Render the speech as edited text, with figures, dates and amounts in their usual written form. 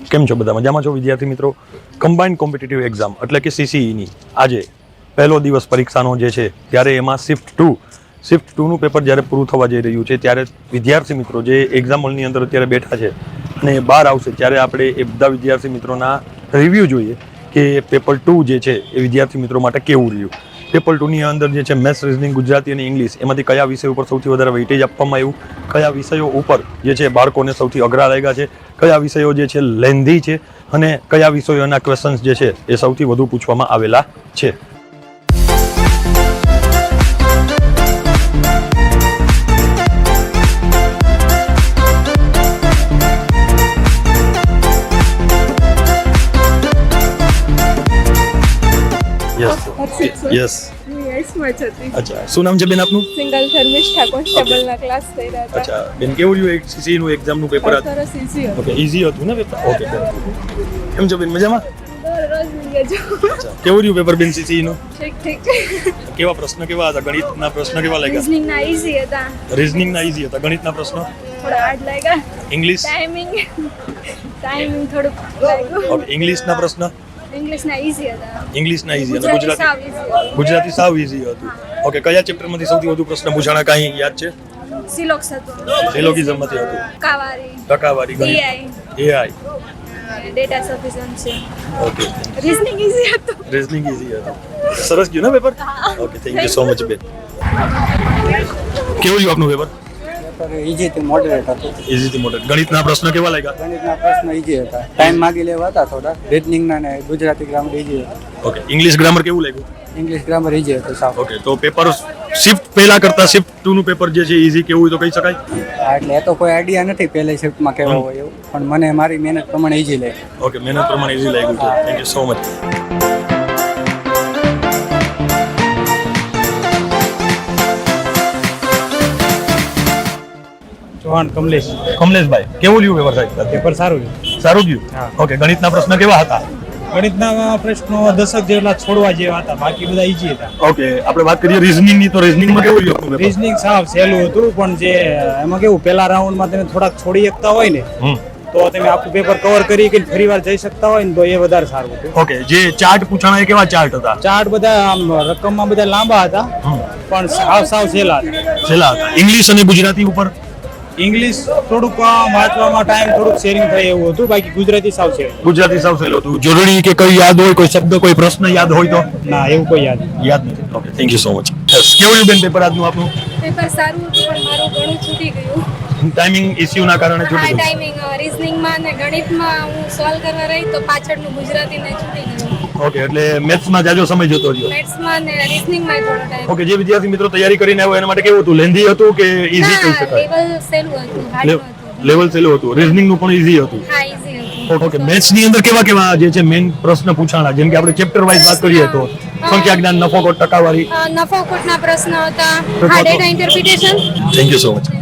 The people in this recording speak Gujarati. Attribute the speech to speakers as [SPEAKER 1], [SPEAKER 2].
[SPEAKER 1] કેમ છો બધા મજામાં છો વિદ્યાર્થી મિત્રો? કમ્બાઇન્ડ કોમ્પિટિટિવ એક્ઝામ એટલે કે CCEની આજે પહેલો દિવસ પરીક્ષાનો જે છે ત્યારે એમાં શિફ્ટ 2નું પેપર જ્યારે પૂરું થવા જઈ રહ્યું છે ત્યારે વિદ્યાર્થી મિત્રો જે એક્ઝામ હોલની અંદર અત્યારે બેઠા છે અને બહાર આવશે ત્યારે આપણે એ બધા વિદ્યાર્થી મિત્રોના રિવ્યૂ જોઈએ કે પેપર 2 જે છે એ વિદ્યાર્થી મિત્રો માટે કેવું રહ્યું. પેપર 2ની અંદર જે છે મેથ્સ, રિઝનિંગ, ગુજરાતી અને ઇંગ્લિશ એમાંથી કયા વિષય ઉપર સૌથી વધારે વેઇટેજ આપવામાં આવ્યું, કયા વિષયો ઉપર જે છે બાળકોને સૌથી અઘરા લાગ્યા છે, કયા વિષયો જે છે લેન્ધી છે અને કયા વિષયોના ક્વેશ્ચન્સ જે છે એ સૌથી વધુ પૂછવામાં આવેલા છે. યસ. અચ્છા, શું નામ છે બેન આપનું?
[SPEAKER 2] સિંગલ શર્મિષ્ઠા કોન્સ્ટેબલના ક્લાસ થઈ રહ્યા હતા.
[SPEAKER 1] અચ્છા બેન, કેવું રહ્યું CCE નું એક્ઝામનું પેપર?
[SPEAKER 2] સરસ ઈઝી હતું.
[SPEAKER 1] ઓકે, ઈઝી હતું ને પેપર? ઓકે, કેમ છો બેન, મજામાં?
[SPEAKER 2] રોજ નીકળે જો.
[SPEAKER 1] અચ્છા, કેવું રહ્યું પેપર બેન CCE નું?
[SPEAKER 2] ઠીક.
[SPEAKER 1] કેવા પ્રશ્ન કેવા હતા? ગણિતના પ્રશ્ન કેવા લાગ્યા?
[SPEAKER 2] રીઝનિંગના ઈઝી હતા.
[SPEAKER 1] રીઝનિંગના ઈઝી હતા. ગણિતના પ્રશ્ન
[SPEAKER 2] થોડા હાર્ડ લાગ્યા.
[SPEAKER 1] ઇંગ્લિશ
[SPEAKER 2] ટાઈમિંગ થોડુંક લાગ્યું.
[SPEAKER 1] ઓકે, ઇંગ્લિશના પ્રશ્ન
[SPEAKER 2] ઇંગ્લિશના ઈઝી હતા.
[SPEAKER 1] ઇંગ્લિશના ઈઝી અને
[SPEAKER 2] ગુજરાતી સાવ easy હતું.
[SPEAKER 1] ગુજરાતી સાવ ઈઝી હતું. ઓકે, કયા ચેપ્ટરમાંથી સૌથી વધુ પ્રશ્ન પૂછાણા કાંઈ યાદ છે?
[SPEAKER 2] સિલોક્સ હતું.
[SPEAKER 1] સિલોગિઝમમાંથી હતું. ટકાવારી, ગણિત, AI,
[SPEAKER 2] data sufficiency.
[SPEAKER 1] Okay.
[SPEAKER 2] Reasoning easy હતું.
[SPEAKER 1] રીઝનિંગ ઈઝી હતું. સરસ ગયું ને paper? Okay, thank you so much બેન. કેવું રહ્યું આપનું પેપર?
[SPEAKER 3] ઈઝી થી મોડરેટ હતું.
[SPEAKER 1] ઈઝી થી મોડરેટ. ગણિતના પ્રશ્ન કેવા લાગ્યા?
[SPEAKER 3] ગણિતના પ્રશ્ન ઈઝી હતા. ટાઈમ માંગી લેવા હતા થોડા. રીઝનિંગના ને ગુજરાતી ગ્રામર ઈઝી હતું.
[SPEAKER 1] ઓકે, ઇંગ્લિશ ગ્રામર કેવું લાગ્યું?
[SPEAKER 3] ઇંગ્લિશ ગ્રામર ઈઝી હતું સાવ.
[SPEAKER 1] ઓકે, તો પેપર શિફ્ટ પહેલા કરતા શિફ્ટ 2નું પેપર જે છે ઈઝી કેવું હોય તો કહી શકાય?
[SPEAKER 3] એટલે એ તો કોઈ આઈડિયા નથી પહેલી શિફ્ટમાં કેવા હોય એવું, પણ મને મારી મહેનત પ્રમાણે ઈઝી લાગી.
[SPEAKER 1] ઓકે, મહેનત પ્રમાણે ઈઝી લાગ્યું છે. Thank you so much.
[SPEAKER 4] Chauhan Kamlesh.
[SPEAKER 1] કમલેશભાઈ, કેવું રહ્યું પેપર સાહેબ?
[SPEAKER 4] પેપર સારું છે.
[SPEAKER 1] સારું ગયું. ઓકે, ગણિતના પ્રશ્ન કેવા હતા?
[SPEAKER 4] ગણિતના પ્રશ્નો 10 જેટલા છોડવા જેવા હતા, બાકી બધા ઈઝી હતા.
[SPEAKER 1] ઓકે, આપણે વાત કરીએ રીઝનિંગની, તો રીઝનિંગમાં કેવું રહ્યું આપનું પેપર?
[SPEAKER 4] રીઝનિંગ સાવ સહેલું હતું, પણ જે એમાં કેવું પહેલા રાઉન્ડમાં તમે થોડાક છોડી શકતા હોય ને તો તમે આખું પેપર કવર કરી કે ફરી વાર જઈ શકતા હોય ને તો એ વધારે સારું હતું.
[SPEAKER 1] ઓકે, જે ચાર્ટ પૂછાણા એ કેવા ચાર્ટ હતા?
[SPEAKER 4] ચાર્ટ બધા આમ રકમમાં બધા લાંબા હતા, પણ સાવ સહેલા હતા.
[SPEAKER 1] છેલ્લા હતા. ઇંગ્લિશ અને ગુજરાતી ઉપર
[SPEAKER 4] ઇંગ્લિશ થોડુંક વાંચવામાં ટાઈમ થોડુંક શેરિંગ થાય એવું હતું, બાકી ગુજરાતી સાવ છે.
[SPEAKER 1] ગુજરાતી સાવ સહેલું હતું. જરૂરી કે કઈ યાદ હોય, કોઈ શબ્દ, કોઈ પ્રશ્ન યાદ હોય તો?
[SPEAKER 4] ના, એવું કોઈ યાદ
[SPEAKER 1] યાદ નથી. Okay, thank you so much. કેવું રહ્યું બેન પેપર આજનું આપનું?
[SPEAKER 2] પેપર સારું હતું, પણ મારું ઘણું છૂટી ગયું.
[SPEAKER 1] ટાઈમિંગ ઇસ્યુના કારણે
[SPEAKER 2] હા,
[SPEAKER 1] છૂટી ગયું.
[SPEAKER 2] ટાઈમિંગ રીઝનિંગમાં અને ગણિતમાં હું સોલ્વ કરવા રહી તો પાછળનું ગુજરાતીને છૂટી ગયું.
[SPEAKER 1] ઓકે, એટલે મેથ્સમાં જાજો સમય જતો રહ્યો.
[SPEAKER 2] મેથ્સમાં ને રીઝનિંગમાં થોડો ટાઈમ.
[SPEAKER 1] ઓકે, જે વિદ્યાર્થી મિત્રો તૈયારી કરીને આવ્યો એના માટે કેવું હતું? લેન્ધી હતું કે ઈઝી કહી શકાય?
[SPEAKER 2] લેવલ સહેલું હતું, હાર્ડ નહોતું.
[SPEAKER 1] લેવલ સહેલું હતું. રીઝનિંગ નું પણ ઈઝી હતું.
[SPEAKER 2] હા, ઈઝી હતું.
[SPEAKER 1] ઓકે, મેથ્સ ની અંદર કેવા કેવા જે છે મેઇન પ્રશ્ન પૂછાણા? જેમ કે આપણે ચેપ્ટર વાઇઝ વાત કરીએ તો સંખ્યા જ્ઞાન, નફો, ટકાવારી.
[SPEAKER 2] નફો ખોટના પ્રશ્ન હતા. હા, data interpretation.
[SPEAKER 1] Thank you so much.